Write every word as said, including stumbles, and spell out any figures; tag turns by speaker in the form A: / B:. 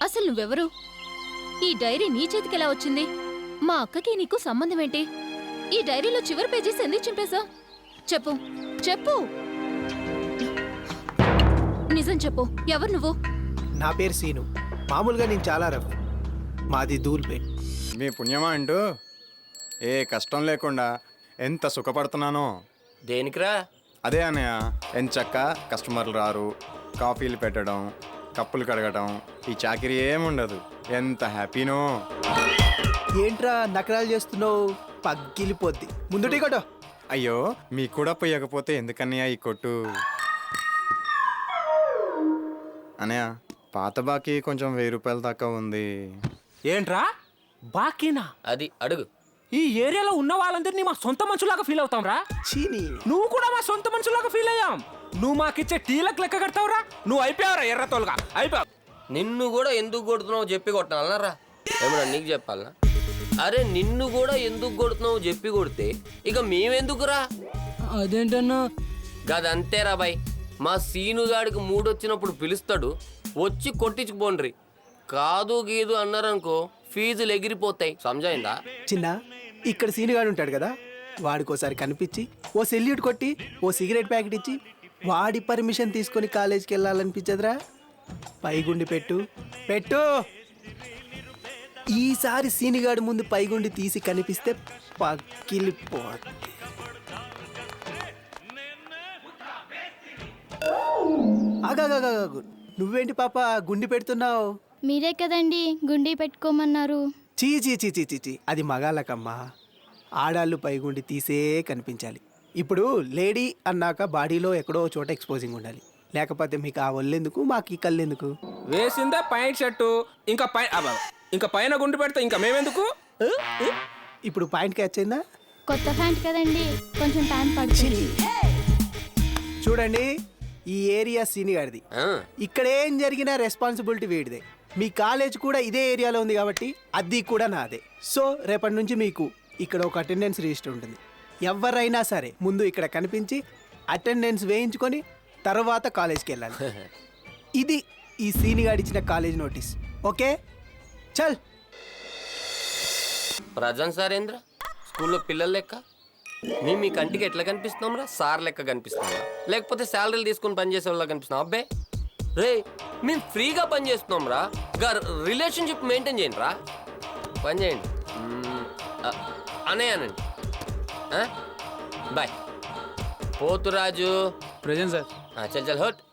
A: అసలు నువ్వెవరు? ఈ డైరీ నీ చేతికెలా వచ్చింది? మా అక్కకి నీకు సంబంధం ఏంటి? ఈ డైరీలో చివరి పేజీస్ ఎందుకు చింపేశా? చెప్పు చెప్పు, నిజం చెప్పు, ఎవరు నువ్వు?
B: నా పేరు సీను. మామూలుగా నేను చాలా రఫ్. మాది ధూల్పేట్.
C: మీ పుణ్యమా అంటూ ఏ కష్టం లేకుండా ఎంత సుఖపడుతున్నానో.
D: దేనికిరా?
C: అదే అన్నయ్య, ఎంచక్క కస్టమర్లు రారు, కాఫీలు పెట్టడం, కప్పులు కడగడం, ఈ చాకిరీ ఏముండదు. ఎంత హ్యాపీనో.
B: ఏంట్రా నకరాలు చేస్తున్నావు? పగ్గిలిపోద్ది. ముందు టీ కొట్టు.
C: అయ్యో, మీకు కూడా పోయకపోతే ఎందుకన్నయ్య ఈ కొట్టు? అన్నయ్య, పాత బాకీ కొంచెం వెయ్యి రూపాయల దాకా ఉంది.
E: ఏంట్రా బాకీనా?
D: అది అడుగు.
E: ఈ ఏరియాలో ఉన్న వాళ్ళందరినీ మా సొంత మనుషులాగా ఫీల్ అవుతాం రా.
B: చీని
E: నువ్వు కూడా మా సొంత మనుషులాగా ఫీల్ అయ్యాం. నువ్వు మాకిచ్చే టీలకు లెక్క కడతావురా. నువ్వు అయిపోయావురా ఎర్రతోలుగా, అయిపోయావు.
D: నిన్ను కూడా ఎందుకు కొడుతున్నావు చెప్పి కొట్టాలన్నారా? ఏమన్నా నీకు చెప్పాలనా? అరే నిన్ను కూడా ఎందుకు కొడుతున్నావు చెప్పి కొడితే ఇక మేమెందుకురా?
F: అదేంటన్నా?
D: గదంతేరా బాయ్. మా సీనుగాడికి మూడొచ్చినప్పుడు పిలుస్తాడు, వచ్చి కొట్టించుకుపోండ్రి. కాదు గీదు అన్నారనుకో ఫీజులు ఎగిరిపోతాయి. సమజైందా?
B: చిన్న ఇక్కడ సీనుగాడు ఉంటాడు కదా, వాడికోసారి కనిపించి ఓ సెల్యూట్ కొట్టి ఓ సిగరెట్ ప్యాకెట్ ఇచ్చి వాడి పర్మిషన్ తీసుకొని కాలేజీకి వెళ్ళాలనిపించదురా? పైగుండి పెట్టు పెట్టు. ఈసారి సీనిగాడి ముందు పైగుండి తీసి కనిపిస్తే పక్కిలిపోద్ది. ఆగాగాగాగు, నువ్వేంటి పాప గుండి పెడుతున్నావు?
G: మీరే కదండి గుండీ పెట్టుకోమన్నారు.
B: చీ చీ చీ చీ చీ చీ, అది మగాళ్ళకమ్మా. ఆడాళ్ళు పైగుండి తీసే కనిపించాలి. ఇప్పుడు లేడీ అన్నాక బాడీలో ఎక్కడో చోట ఎక్స్పోజింగ్ ఉండాలి, లేకపోతే మీకు ఆ ఒళ్ళెందుకు మాకు ఈ కళ్ళెందుకు?
E: వేసిందే పైన షర్టు, ఇంకా పై అబ్బా, ఇంకా పైన గుండు పెడితే ఇంకా మేమెందుకు?
B: ఇప్పుడు పాయింట్ క్యాచ్ అయిందా?
G: కొత్త ప్యాంట్ కదండి, కొంచెం టైం పడుతుంది.
B: చూడండి, ఈ ఏరియా సీనిగాడిది.
D: ఆ,
B: ఇక్కడ ఏం జరిగినా రెస్పాన్సిబిలిటీ వీడిదే. మీ కాలేజ్ కూడా ఇదే ఏరియాలో ఉంది కాబట్టి అది కూడా నాదే. సో రేపటి నుంచి మీకు ఇక్కడ ఒక అటెండెన్స్ రిజిస్టర్ ఉంటుంది. ఎవరైనా సరే ముందు ఇక్కడ కనిపించి అటెండెన్స్ వేయించుకొని తర్వాత కాలేజ్కి వెళ్ళాలి. ఇది ఈ సీనిగాడి ఇచ్చిన కాలేజ్ నోటీస్. ఓకే చల్.
D: ప్రజెంట్ సారేంద్ర స్కూల్లో పిల్లల లెక్క మేము మీ కంటికి ఎట్లా కనిపిస్తున్నాం రా? సార్ లెక్క కనిపిస్తున్నాం లేకపోతే శాలరీలు తీసుకుని పనిచేసే వాళ్ళ కనిపిస్తున్నాం? అబ్బే రే, మేము ఫ్రీగా పని చేస్తున్నాం రా. రిలేషన్షిప్ మెయింటైన్ చేయండి రా. పని చేయండి అనే అనండి. బాయ్. Poturaju
F: present sir.
D: చల్ చల్ హట్.